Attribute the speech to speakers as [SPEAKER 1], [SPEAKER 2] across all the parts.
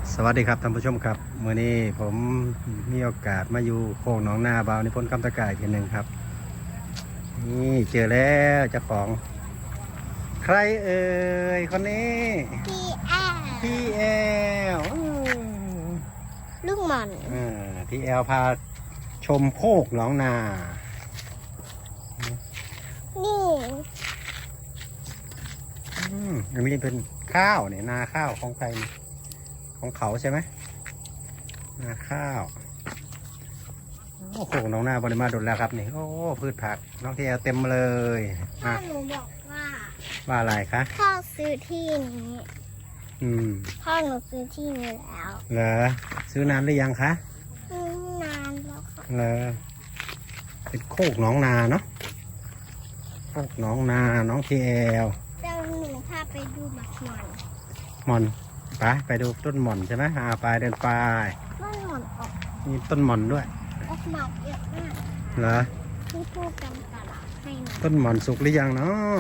[SPEAKER 1] สวัสดีครับท่านผู้ชมครับเมื่อนี้ผมมีโอกาสมาอยู่โค้งหนองนาบาวนิพนธ์คำตะกายทีหนึ่งครับนี่เจอแล้วเจ้าของใครเอ่ยคนนี้พี่แอล
[SPEAKER 2] ลูกหม่อน
[SPEAKER 1] พี่แอลพาชมโคกหนองนา
[SPEAKER 2] นี่
[SPEAKER 1] อันนี้เป็นข้าวเนี่ยนาข้าวของใครของเขาใช่ไหมนาข้าวโอ้โหน้องหน้าบริมาดุลแล้วครับนี่โอ้พืชผักน้องที่เต็มเลย
[SPEAKER 2] พ่อหนูบอกว่า
[SPEAKER 1] อะไรคะ
[SPEAKER 2] พ่อซื้อที่นี้พ่อหนูซื้อที่นี้แล้ว
[SPEAKER 1] เหรอซื้อนานหรือยังคะ
[SPEAKER 2] นานแล้วค่ะ
[SPEAKER 1] เหรอเป็นโคกน้องนาเนาะโคกน้องนาน้องทีแอล
[SPEAKER 2] เจ้าหนูพาไปดูห
[SPEAKER 1] หม่อนไปดูต้นหม่อนใช่ไหมไปเดินไป
[SPEAKER 2] ต้นหม่อนออก
[SPEAKER 1] มีต้นหม่อนด้วย
[SPEAKER 2] ออกหมากเยอะมาก
[SPEAKER 1] เหรอ
[SPEAKER 2] ที่พูดกันตลาดให้นะ
[SPEAKER 1] ต้นหม่อนสุกหรือยังเนาะ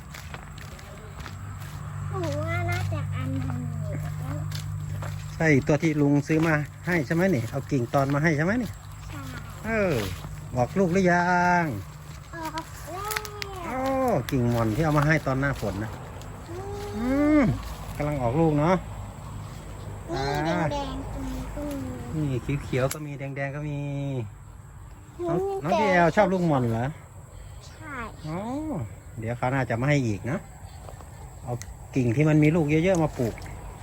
[SPEAKER 2] หนูว่าน่าจะอันนึง
[SPEAKER 1] ใช่ตัวที่ลุงซื้อมาให้ใช่ไหมนี่เอากิ่งตอนมาให้ใช่ไหมนี่
[SPEAKER 2] ใช่
[SPEAKER 1] บอกลูกหรือยัง
[SPEAKER 2] ออกแล้ว
[SPEAKER 1] โอ้กิ่งหม่อนที่เอามาให้ตอนหน้าฝนนะกำลังออกลูกเนาะ
[SPEAKER 2] นี่แดงๆตรงนี้ก็มี
[SPEAKER 1] นี่เขียวๆก็มีแดงๆก็มีน้องพี่แอลชอบลูกหม่อนเหรอ
[SPEAKER 2] ใช่
[SPEAKER 1] อ๋อเดี๋ยวเขาน่าจะมาให้อีกนะเอากิ่งที่มันมีลูกเยอะๆมาปลูก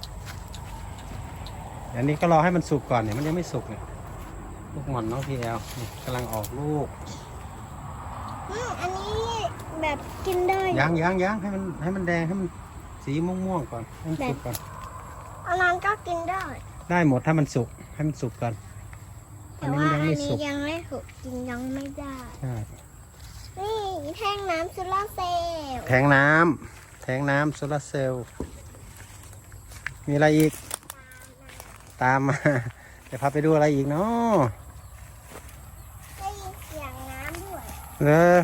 [SPEAKER 1] อันนี้ก็รอให้มันสุกก่อนเนี่ยมันยังไม่สุกเนี่ยลูกหม่อนน้องพี่แอลกำลังออกลูก
[SPEAKER 2] อันนี้แบบกินได้
[SPEAKER 1] ยังให้มันแดงให้มันสีม่วงๆก่อนให้มันสุกก่อน
[SPEAKER 2] อันนั้นก็กินได้
[SPEAKER 1] หมดถ้ามันสุกให้มันสุกก่อน
[SPEAKER 2] แต่ว่าอันนี้ยังไม่สุกกินยังไม่ได้นี่แทงน้ำโซลาเซลล์
[SPEAKER 1] แทงน้ำโซลาเซลล์มีอะไรอีกตามมาจะพาไปดูอะไรอีกเนาะ
[SPEAKER 2] ได้ยินเสียงน้ำ
[SPEAKER 1] ด้วย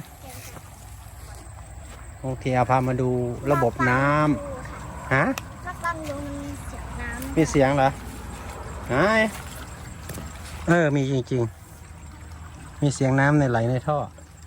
[SPEAKER 1] โอเคเอาพามาดูระบบน้ำฮะ
[SPEAKER 2] ถ้าฟังดูมันมีเสียงน้ำ
[SPEAKER 1] มีเสียงเหรอมีจริงๆมีเสียงน้ำในไหลในท่อ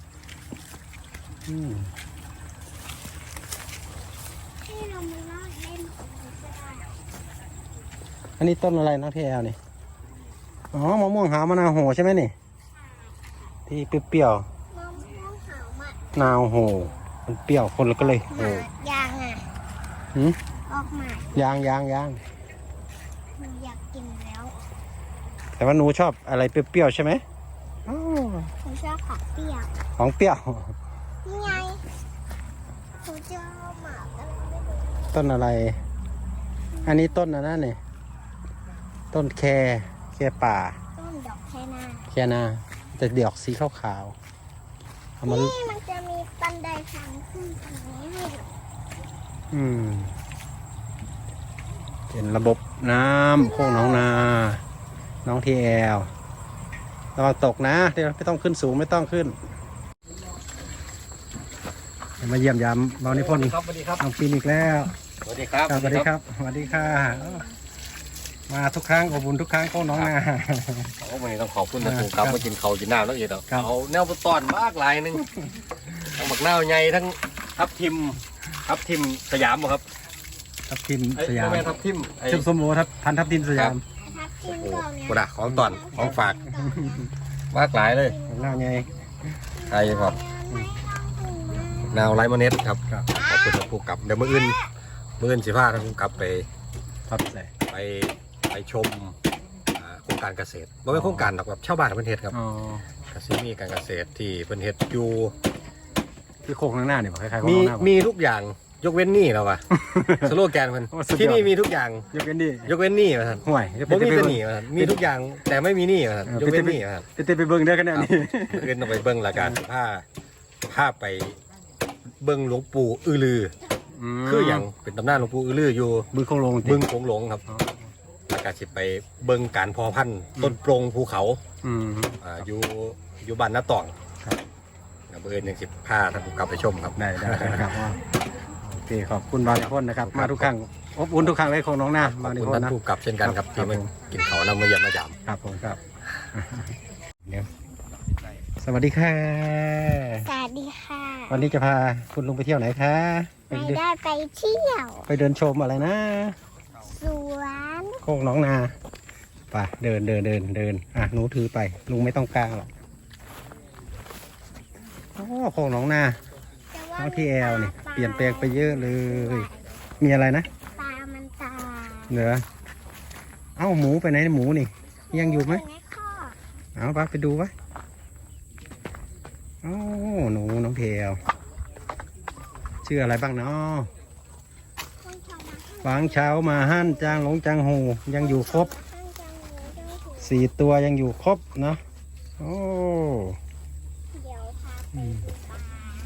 [SPEAKER 1] อันนี้ต้นอะไรนะพี่แอลนี่อ๋อมะม่วงหาวมะนาวโหใช่ไหมนี่ที่เปรี้ยว
[SPEAKER 2] มะม่วงหาวมะ
[SPEAKER 1] นาวโหมันเปรี้ยวคนละก็เลยโห
[SPEAKER 2] ยางออกมาย
[SPEAKER 1] าง
[SPEAKER 2] หนูอยากกินแล้ว
[SPEAKER 1] แต่ว่าหนูชอบอะไรเปรี้ยวๆใช่ไหม
[SPEAKER 2] หนูชอบของเปรี้ยวนี่ไงหนูจะเอาหมากอะไรไม่รู้
[SPEAKER 1] ต้นอะไรอันนี้ต้นอะไรเนี่ยต้นแคป่า
[SPEAKER 2] ต้นดอก
[SPEAKER 1] แคนาแต่ดอกสีขาวๆ
[SPEAKER 2] นี่มันจะมีบันไดทางขึ้นตรงนี้ให้
[SPEAKER 1] เป็นระบบน้ำโค้งหนองนาน้องทีแอลระวังตกนะเดี๋ยวไม่ต้องขึ้นสูงไม่ต้องขึ้นมาเยี่ยมยามบาวนิพนธ์น้องปีนอีกแล้ว
[SPEAKER 3] สวัสดีครับ
[SPEAKER 1] สวัสดีค่ะมาทุกครั้งอบอุ่นทุกครั้งโค้งหนองนา
[SPEAKER 3] วันนี้ต้องขอบคุณนะครูครับมากินเขากินน้ำแล้วอีกแล้วเอาแนวต้อนมากหลายนึงทั้งหมักเน่าใหญ่ทั้งทับทิมสยามบ่ครับ
[SPEAKER 1] ทับทิมสยาม
[SPEAKER 3] ทับทิม
[SPEAKER 1] ชุบสมโอพันทับทิมสยาม
[SPEAKER 3] โอ้โหกระดาษของตอนของฝากมากหลายเลย
[SPEAKER 1] เน่าใหญ่
[SPEAKER 3] ใช่ครับแนวไลมอนเนสครับขอบคุณครูกับเดี๋ยวมื้ออื่นสิพาท่านครูกับไปชมโครงการเกษตรไม่ใช่โครงการหรอกแบบชาวบ้านเพิ่นเฮ็ดครับเกษตรมีการเกษตรที่เพิ่นเฮ็ดอยู่
[SPEAKER 1] ที่โค้งข้างหน้าเนี่ยคล้าย
[SPEAKER 3] ๆมีทุกอย่างยกเว้นนี่แล้ววะสโลแกนมันที่นี่มีทุกอย่าง
[SPEAKER 1] ยกเว้น
[SPEAKER 3] นี่มาท่าน
[SPEAKER 1] ห่วย
[SPEAKER 3] ผมมีแต่หนีมาท่านมีทุกอย่างแต่ไม่มีนี่มาท่านยกเว้นนี่มาท่าน
[SPEAKER 1] ไปเบิ่งได้ขนาดนี้
[SPEAKER 3] เงินต้องไปเบิ่งละกันผ้าไปเบิ่งหลวงปู่อือลือคืออย่างเป็นตำนานหลวงปู่อือลืออยู่
[SPEAKER 1] บึงโขงหลง
[SPEAKER 3] ครับแล้วก็สิไปเบิ่งการเพาะพันธุ์ต้นโปร่งภูเขาอยู่บ้านน้าตองเบอร์1 10 ผ้าท่านผู้กลับไปชมครับ
[SPEAKER 1] ได้ครับโอเคขอบคุณบางคนนะครับมาทุกครั้งอบอุ่นทุกครั้งเลยของน้องนา
[SPEAKER 3] ขอ
[SPEAKER 1] มา
[SPEAKER 3] บ
[SPEAKER 1] ใน
[SPEAKER 3] คุณ
[SPEAKER 1] โพ
[SPEAKER 3] ท่าน
[SPEAKER 1] นะ
[SPEAKER 3] ผู้กลับเช่นกันครับ
[SPEAKER 1] ครั
[SPEAKER 3] ที่
[SPEAKER 1] บ
[SPEAKER 3] มากินเขาวนำมาเยี่ยมมาจาม
[SPEAKER 1] ครับผมครับเดี๋ยวสวัสดีค่ะ
[SPEAKER 2] สวัสดีค่ะ
[SPEAKER 1] วันนี้จะพาคุณลุงไปเที่ยวไหนคะไป
[SPEAKER 2] ไม่
[SPEAKER 1] เดิน
[SPEAKER 2] ได้ไปเที่ยว
[SPEAKER 1] ไปเดินชมอะไรนะ
[SPEAKER 2] สวน
[SPEAKER 1] โคกน้องนาไปเดินหนูถือไปลุงไม่ต้องกลางหรอกโอ้โคกน้องนา
[SPEAKER 2] แต่ว่า
[SPEAKER 1] น้องที่แอลนี่
[SPEAKER 2] ปลา
[SPEAKER 1] เปลี่ยนแปลงไปเยอะเลย มีอะไรนะ
[SPEAKER 2] ปลามันตาย
[SPEAKER 1] เหนือเอ้าหมูไปไหนหมูนี่ ยังอยู่ไหม
[SPEAKER 2] ในข้อ
[SPEAKER 1] เอาไปดูวะโอ้หนูน้องเทลชื่ออะไรบ้างเนาะ
[SPEAKER 2] คนชาวนา
[SPEAKER 1] ฟางเช้ามาหั่นจางหลงจางหูยังอยู่ครบ
[SPEAKER 2] ข้างจังหวัดจังหวัด
[SPEAKER 1] 4 ตัวยังอยู่ครบนะโอ้
[SPEAKER 2] เดี๋ยวพาไปดูปลา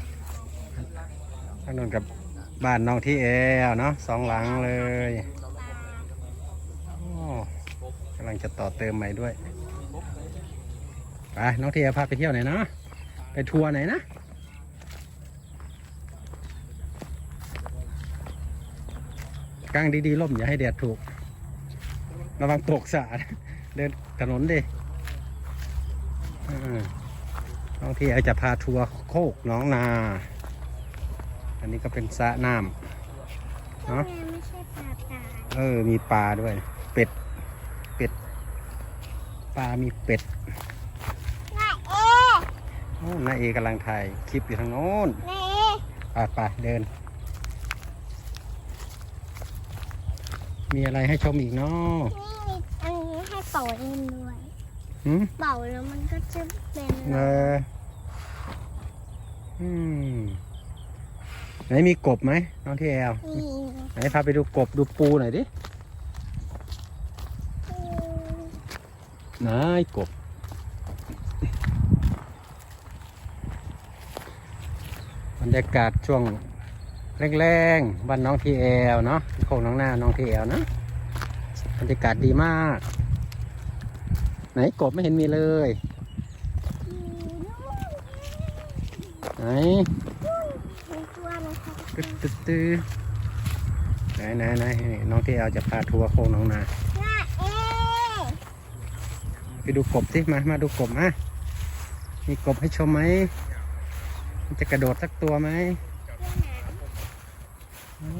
[SPEAKER 1] ทางนนกับบ้านน้องที่แอลเนาะ2 หลังเลยโอ้กำลังจะต่อเติมใหม่ด้วยไปน้องที่แอลพาไปเที่ยวไหนเนาะไปทัวร์ไหนนะกางดีๆล่มอย่าให้แดดถูกระวังตกสาดเดินถนนดิน้องที่แอลจะพาทัวร์โคกน้องนาอันนี้ก็เป็นสระน้ำ
[SPEAKER 2] ทำไมไม่ใช่ปลาตาย
[SPEAKER 1] มีปลาด้วย เป็ดปลามีเป็ด
[SPEAKER 2] นายเอ
[SPEAKER 1] โอ้น้าเอกำลังถ่ายคลิปอยู่ทางโน้น
[SPEAKER 2] นายเอ
[SPEAKER 1] ไปเดิน มีอะไรให้ชมอีกเนาะ
[SPEAKER 2] นี่อันนี้ให้เป่าเล่นด้วย
[SPEAKER 1] หืม
[SPEAKER 2] เป่าแล้วมันก็จะเป็น
[SPEAKER 1] เอออืมไหนมีกบไหมน้องที่แอล
[SPEAKER 2] นี่
[SPEAKER 1] ไหนพาไปดูกบดูปูหน่อยดิไหนกบ บรรยากาศช่วงแรงๆบ้านน้องทีแอลเนาะโคกน้องหน้าน้องทีแอลนะบรรยากาศดีมาก ไหนกบไม่เห็นมีเลยไหน
[SPEAKER 2] มีตัวไหมคะ
[SPEAKER 1] ตื้อไหนน้องทีแอลจะพาทัวร์โคกน้องนา
[SPEAKER 2] นายเอ
[SPEAKER 1] ไปดูกบสิมาดูกบมามีกบให้ชมไหมมันจะกระโดดสักตัวไหมโอ้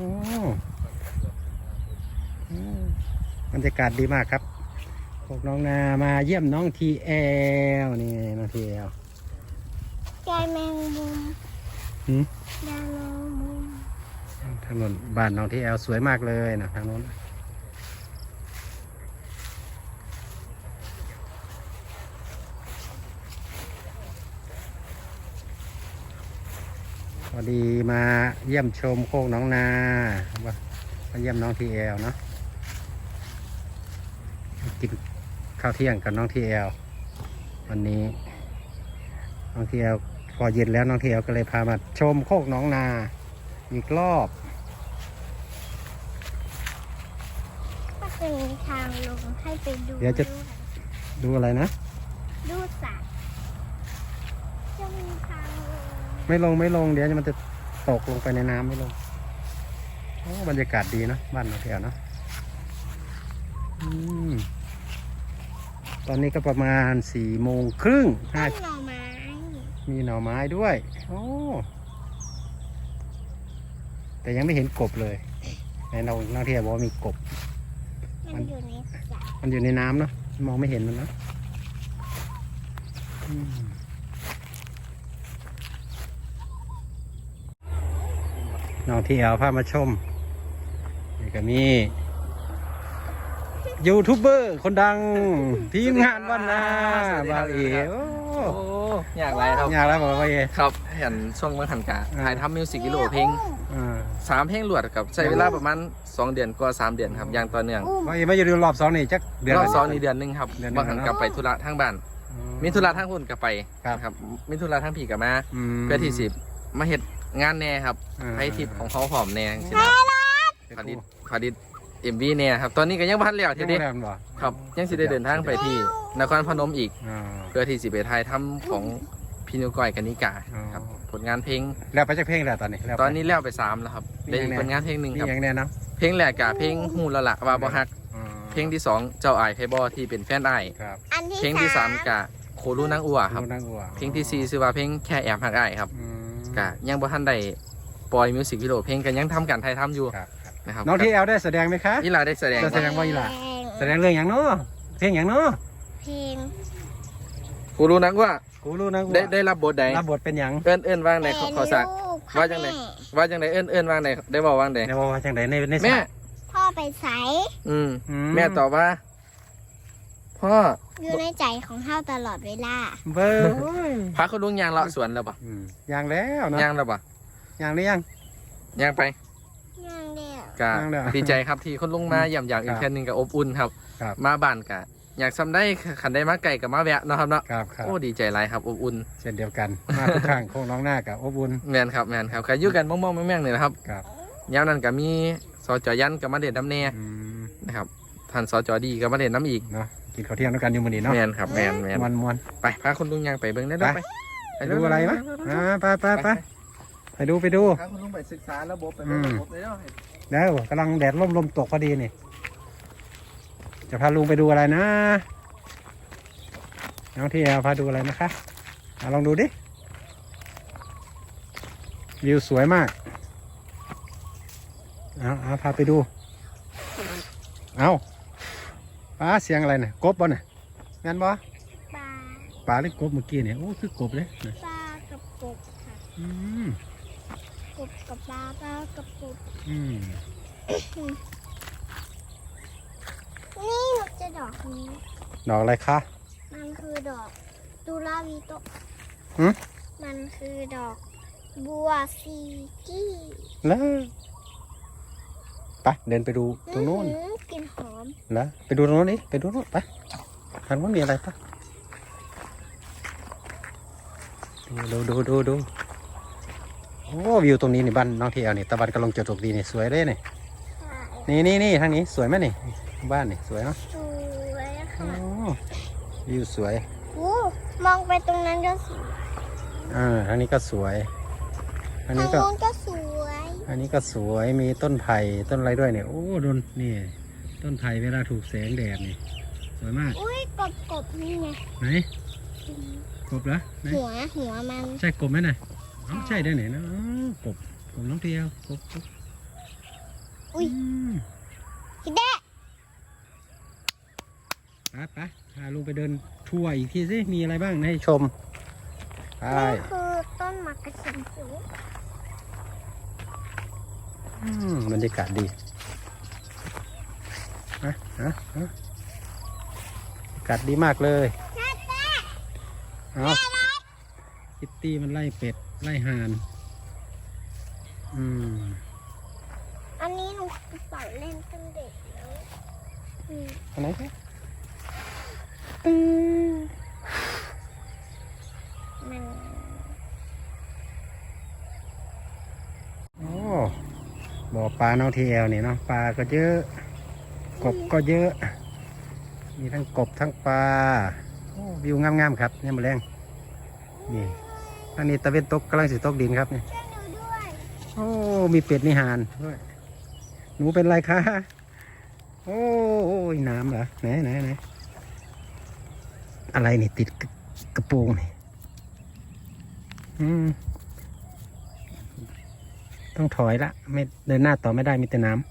[SPEAKER 1] บรรยากาศดีมากครับพวกน้องนามาเยี่ยมน้องทีแอลนี่น้องทีแอล
[SPEAKER 2] ใจแมงมุม
[SPEAKER 1] หืม
[SPEAKER 2] ดาโลมุม
[SPEAKER 1] ถนนบ้านน้องทีแอลสวยมากเลยนะทางโน้นพอดีมาเยี่ยมชมโคกน้องนามาเยี่ยมน้องทีแอลเนาะกินข้าวเที่ยงกับน้องทีแอลวันนี้น้องทีแอลพอเย็นแล้วน้องทีแอลก็เลยพามาชมโคกน้องนาอีกรอบ
[SPEAKER 2] ก็จะมีทางลงให้ไปดู
[SPEAKER 1] เดี๋ยวจะ ดูอะไรนะ
[SPEAKER 2] ดูสัตว์จะมีทางลง
[SPEAKER 1] ไม่ลงเดี๋ยวมันจะตกลงไปในน้ำไม่ลงโอ้บรรยากาศดีนะบ้านน้องทีแอลเนาะตอนนี้ก็ประมาณ4:30
[SPEAKER 2] ต้นหน่อไม้
[SPEAKER 1] มีหน่อไม้ด้วย โอ้ แต่ยังไม่เห็นกบเลยในน้องเทียบอกว่ามีกบ
[SPEAKER 2] มันอยู่ในสระ
[SPEAKER 1] มันอยู่ในน้ำเนาะ มองไม่เห็นมันเนาะน้องที่เอาพามาชม นี่ก็มียูทูบเบอร์คนดัง ทีมงานวันนาบาวเอ๋โอ้
[SPEAKER 4] โอ้อยากไรครับ
[SPEAKER 1] อยากแล้วบอกว่าเอ๋
[SPEAKER 4] ครับเห็นช่วงเมื่อหันกะถ่ายทำมิวสิกวิดีโอเพลง
[SPEAKER 1] อ่า
[SPEAKER 4] 3 เพลงรวดกับใช้เวลาประมาณ2 เดือนกว่า3 เดือนครับอย่างต่อเนื่อง
[SPEAKER 1] ว่าเอ๋ไม่อยู่รอบ2นี่จักเดือน
[SPEAKER 4] รอบ
[SPEAKER 1] ละ
[SPEAKER 4] สองนี่เดือนหนึงครับ
[SPEAKER 1] เดือนหนึ่ง
[SPEAKER 4] บางหันกลับไปธุระทางบ้าน มีธุระทางหุ่นกลับไป
[SPEAKER 1] ครับ
[SPEAKER 4] ครับมีธุระทางผีกลับมา
[SPEAKER 1] ม
[SPEAKER 4] เพื่อที่สิมาเฮ็ดงานแน่ครับ
[SPEAKER 1] อ่า
[SPEAKER 4] ให้ทิปของเขาหอมแน่ใช่ไหมขอดิดMVแน่ครับตอนนี้ก็ยังพันแล้ว
[SPEAKER 1] ยั
[SPEAKER 4] ที
[SPEAKER 1] ง
[SPEAKER 4] เด็
[SPEAKER 1] ไม่ได้มันบ่
[SPEAKER 4] ครับยังสิได้เดินทางไปที่นครพนมอีก
[SPEAKER 1] อ่า
[SPEAKER 4] เพื่อที่สิไปถ่ายทำของพี่นิวก้อยกนิกา
[SPEAKER 1] อ๋อ
[SPEAKER 4] ครับผลงานเพลง
[SPEAKER 1] แล้วไปจากเพลงแล้วตอนนี้แล้วไป
[SPEAKER 4] ตอนนี้แล้วไป3แล้วครับได้ผลงานเพลงหนึ่ง
[SPEAKER 1] มี
[SPEAKER 4] ครับ
[SPEAKER 1] อย่างแน่เนาะ
[SPEAKER 4] เพลงแรกกับเพลงฮู้แล้วล่ะว่าบ่ฮัก
[SPEAKER 1] อ๋อ
[SPEAKER 4] เพลงที่2เจ้าอายไพบอที่เป็นแฟนอ้าย
[SPEAKER 1] ครับ
[SPEAKER 2] อันที่
[SPEAKER 4] เพลงที่3กับโครูนางอัวครับ
[SPEAKER 1] ลูกนางอัว
[SPEAKER 4] เพลงที่4ชื่อว่าเพลงแค่แอบฮักอ้ายครับ
[SPEAKER 1] อืม
[SPEAKER 4] กะยังบ่ทันได้ปล่อยมิวสิกวิดีโอเพลงก็ยังทำการถ่ายทำอยู่
[SPEAKER 1] ครับครับ
[SPEAKER 4] นะครับ
[SPEAKER 1] น้องที่แอลได้แสดงไหมคะ
[SPEAKER 4] อีหลาได้แสดง
[SPEAKER 1] แสดงว่าอีหลา แสดงเรื่องอย่างเนาะเพลงอย่างเนาะ
[SPEAKER 2] เพลง
[SPEAKER 4] ครูรู้นักว่า
[SPEAKER 1] กูรู้นะกู
[SPEAKER 4] ได้รับบทใด
[SPEAKER 1] รับบทเป็นอย่าง
[SPEAKER 4] เอิ้นว่างในขอสัก ว่าจังไหน ว่าจังไดเอิ้นว่างในได้บอกว่างใด
[SPEAKER 1] ในว่าจังไดใน
[SPEAKER 4] แม่
[SPEAKER 1] ฉาก
[SPEAKER 2] พ่อไปใส
[SPEAKER 4] อืม
[SPEAKER 1] อื
[SPEAKER 4] แม่ตอบว่าพ่อ
[SPEAKER 2] อยู่ในใจของเฮาตลอดเวลา
[SPEAKER 1] เบอร์
[SPEAKER 4] พาคุณลุงยางเลาะสวนแล้วปะ
[SPEAKER 1] อย่างแล้วเนาะ
[SPEAKER 4] ยางแล้วปะ
[SPEAKER 1] อย่างหรือยัง
[SPEAKER 4] ยางไป
[SPEAKER 2] ย่างเดียว
[SPEAKER 4] กะ
[SPEAKER 1] ย่างแล้ว
[SPEAKER 4] ดีใจครับที่คุณลุงมาเยี่ยมอย่างอีก
[SPEAKER 1] ครับ
[SPEAKER 4] แค่นึงกับอบอุ่นครับ
[SPEAKER 1] ครับ
[SPEAKER 4] มาบ้านกะอยากทำได้ขันได้มาไก่กับมาแวะเนาะครับเนาะ
[SPEAKER 1] ครับครับ
[SPEAKER 4] โอ้ดีใจหลายครับอบอุ่น
[SPEAKER 1] เช่นเดียวกันมาทุกครั้งโค้งน้องหน้ากับอบอุ่น
[SPEAKER 4] แมนครับแมนครับใครอยู่กันมองๆแม่งๆนี่แหละครับ
[SPEAKER 1] ครับ
[SPEAKER 4] ยามนั้นก็มีสจยันกับมาเด่นน้ำแน่
[SPEAKER 1] อืม
[SPEAKER 4] นะครับท่านสจดีกับมาเด่นน้ำอีก
[SPEAKER 1] เนาะกินข้าวเที่ยงด้วยกันอยู่มื้อนี้เนาะ
[SPEAKER 4] แมนครับแมน
[SPEAKER 1] มวน
[SPEAKER 4] ไปพาคุณลุงยางไปเบิ่งได้
[SPEAKER 1] ไป
[SPEAKER 4] ไป
[SPEAKER 1] ไปดูอะไรมะไปไปดู
[SPEAKER 4] พาคุณลุงไปศึกษาระบบไป
[SPEAKER 1] อืม
[SPEAKER 4] ระบบเลยเนาะ
[SPEAKER 1] เดี๋ยวกำลังแดดลมตกพอดีนี่จะพาลุงไปดูอะไรนะน้องที่แอลพาดูอะไรนะคะลองดูดิวิวสวยมากเอาพาไปดูเอาป้าเสียงอะไรเนี่ยกบบ่เนี่ยงั้นบ่
[SPEAKER 2] ปลา
[SPEAKER 1] ปลาหรือกบเมื่อกี้เนี่ยโอ้คือกบเลยนะ
[SPEAKER 2] ปลากับกบค่ะ
[SPEAKER 1] อืม
[SPEAKER 2] กบกับปลาปลากับกบ
[SPEAKER 1] อืม
[SPEAKER 2] นี่หนูจะดอกนี้
[SPEAKER 1] ดอกอะไรคะ
[SPEAKER 2] มันคือดอกดูลาวีโตะ
[SPEAKER 1] หืม
[SPEAKER 2] มันคือดอกบัวซีกี้
[SPEAKER 1] แล้วไปเดินไปดูตรงโน้น
[SPEAKER 2] กลิ่นหอม
[SPEAKER 1] แล้วไปดูตรงโน้นนี่ไปดูโน้นไปทางโน้นมีอะไรปะดูโอ้วิวตรงนี้นี่บ้านน้องที่แอลนี่ตะวันกำลังจะตกดีนี่สวยเลยนี่นี่ทางนี้สวยไหมนี่บ้านนี่สวยเนาะ
[SPEAKER 2] สวย
[SPEAKER 1] โอ้
[SPEAKER 2] ค่ะ
[SPEAKER 1] วิวสวย
[SPEAKER 2] โอ้มองไปตรงนั้นก็สวย
[SPEAKER 1] ทางนี้ก็สวยอัน
[SPEAKER 2] ทาง
[SPEAKER 1] นี้ก็
[SPEAKER 2] โน้นก็สวย
[SPEAKER 1] อันนี้ก็สวยมีต้นไผ่ต้นอะไรด้วยเนี่ยโอ้โดนนี่ต้นไผ่เวลาถูกแสงแดดนี่สวยมาก
[SPEAKER 2] อุ้ยกบนี่ไง
[SPEAKER 1] ไหนกบเหรอไหน
[SPEAKER 2] หัวมัน
[SPEAKER 1] ใช่กบไหมน่ะอ๋อใช่ได้ไหนนะอ๋อกบน้องเทียวกบ
[SPEAKER 2] อุ้ย
[SPEAKER 1] ม
[SPEAKER 2] คิดได้
[SPEAKER 1] ไปพาลุงไปเดินทัวร์อีกทีสิมีอะไรบ้างให้ชมไป
[SPEAKER 2] นี่คือต้นมะกระชินสูง
[SPEAKER 1] บรรยากาศดีบรรยากาศดีมากเลยเอาคิตตี้มันไล่เป็ดไล่ห่าน
[SPEAKER 2] อันนี้หนูเป่าเล่นตั้งเด็กแล้วอืม
[SPEAKER 1] อันไหนครับ
[SPEAKER 2] มัน
[SPEAKER 1] โอ้บ่อปลาน้องทีแอลนี่เนาะปลาก็เยอะกบก็เยอะ มีทั้งกบทั้งปลาโอ้วิวงามๆครับเนี่ยมาแรงนี่ทางนี้ตะเวนตกกำลังสิตกดินครับนี่
[SPEAKER 2] ช่วยหนูด้วย
[SPEAKER 1] โอ้มีเป็ดมีห่านด้วยหนูเป็นไรคะโอ้ยน้ำเหรอไหนอะไรนี่ติดกระโปรงนี่ต้องถอยละไม่เดินหน้าต่อไม่ได้มีแต่น้ำ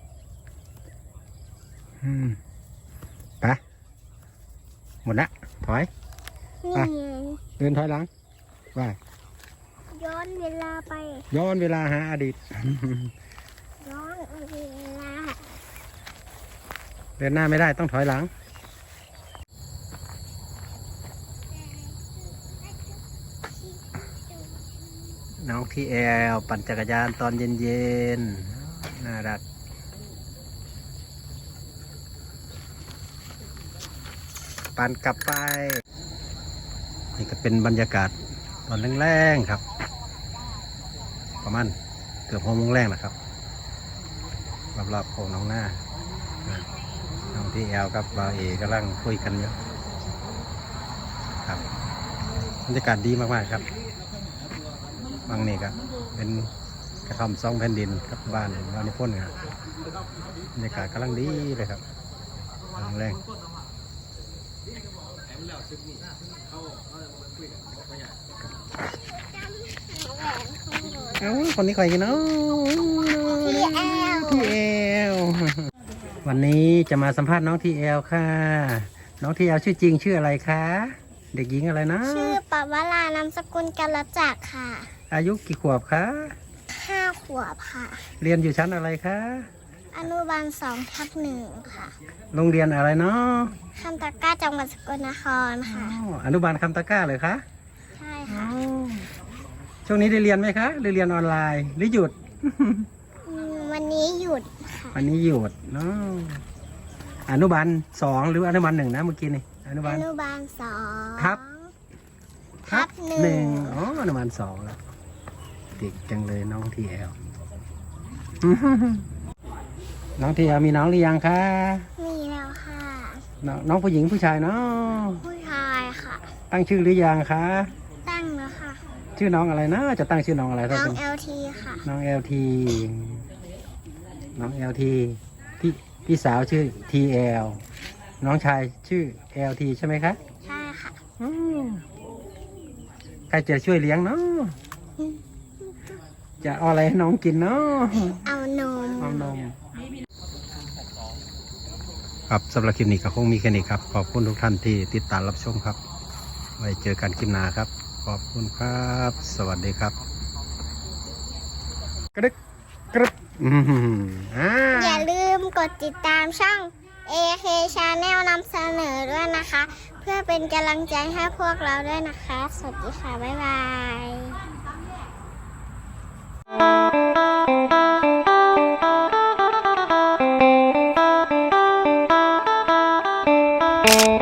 [SPEAKER 1] ไปหมดละถอย
[SPEAKER 2] นี่
[SPEAKER 1] เดินถอยหลังไป
[SPEAKER 2] ย้อนเวลาไป
[SPEAKER 1] ย้อนเวลาหาอดีต
[SPEAKER 2] ย้อนเวลา
[SPEAKER 1] เดินหน้าไม่ได้ต้องถอยหลังน้องพี่แอลปั่นจักรยานตอนเย็นๆน่ารักปั่นกลับไปนี่ก็เป็นบรรยากาศตอนแรงๆครับประมาณเกือบ6 โมงแรงนะครับรอบๆโค้งน้องหน้าน้องที่แอลกับบาวเอกำลังคุยกันอยู่ครับบรรยากาศดีมากๆครับบางนี่ก็เป็นกระท่อมซองแผ่นดินกับบ้านวานิพนธ์ครับบรรยากาศกำลังดีเลยครับแรง เอ้าคนนี้ใครกันเนาะ
[SPEAKER 2] พี่แอล
[SPEAKER 1] ทีเอลวันนี้จะมาสัมภาษณ์น้องทีเอลค่ะ น้องทีเอลชื่อจริงชื่ออะไรคะ เด็กหญิงอะไรนะ
[SPEAKER 2] ชื่อปวรานามสกุลกัลจักรค่ะ
[SPEAKER 1] อายุกี่ขวบคะ
[SPEAKER 2] 5 ขวบค่ะ
[SPEAKER 1] เรียนอยู่ชั้นอะไรคะ
[SPEAKER 2] อนุบาล2/1ค่ะ
[SPEAKER 1] โรงเรียนอะไรเนาะ
[SPEAKER 2] คำตะกร้าจังหวัดสกลนครค่ะ
[SPEAKER 1] อนุบาลคำตะกร้าเลยคะ
[SPEAKER 2] ใช่ค่ะ
[SPEAKER 1] ช่วงนี้ได้เรียนไหมคะหรือเรียนออนไลน์หรือหยุด
[SPEAKER 2] วันนี้หยุดค่ะ
[SPEAKER 1] วันนี้หยุดเนาะอนุบาล2หรืออนุบาล1นะเมื่อกี้นี่อนุบา
[SPEAKER 2] อ
[SPEAKER 1] ล
[SPEAKER 2] นุบาล2
[SPEAKER 1] ทับ
[SPEAKER 2] ทับ
[SPEAKER 1] หนึ่งอ๋ออนุบาล2แล้วเด็กจังเลยน้องทีเอล น้องทีเอลมีน้องหรือยังคะ
[SPEAKER 2] มีแล้วค่ะ
[SPEAKER 1] น้องผู้หญิงผู้ชายเนาะ
[SPEAKER 2] ผู้ชายค่ะ
[SPEAKER 1] ตั้งชื่อหรือยังคะ
[SPEAKER 2] ตั้งแล้วค่ะ
[SPEAKER 1] ชื่อน้องอะไรนะจะตั้งชื่อน้องอะไร
[SPEAKER 2] น้
[SPEAKER 1] ถ้า
[SPEAKER 2] อง
[SPEAKER 1] เป็น
[SPEAKER 2] LT ค่ะ
[SPEAKER 1] น้องเอลทีน้องเอลทีพี่สาวชื่อทีเอลน้องชายชื่อเอลทีใช่ไหมคะ
[SPEAKER 2] ใช่ค่ะ
[SPEAKER 1] อืมใครจะช่วยเลี้ยงเนาะจะเอาอะไรให้น้องกินเนาะ
[SPEAKER 2] เอานม
[SPEAKER 1] เอานมครับสำหรับคลิปนี้ก็คงมีแค่นี้ครับ ขอบคุณทุกท่านที่ติดตามรับชมครับ ไว้เจอกันคลิปหน้าครับ ขอบคุณครับ สวัสดีครับ กระดึกกระดึก
[SPEAKER 2] อย่าลืมกดติดตามช่อง AK Channel นำเสนอด้วยนะคะ เพื่อเป็นกำลังใจให้พวกเราด้วยนะคะ สวัสดีค่ะ บ๊ายบาย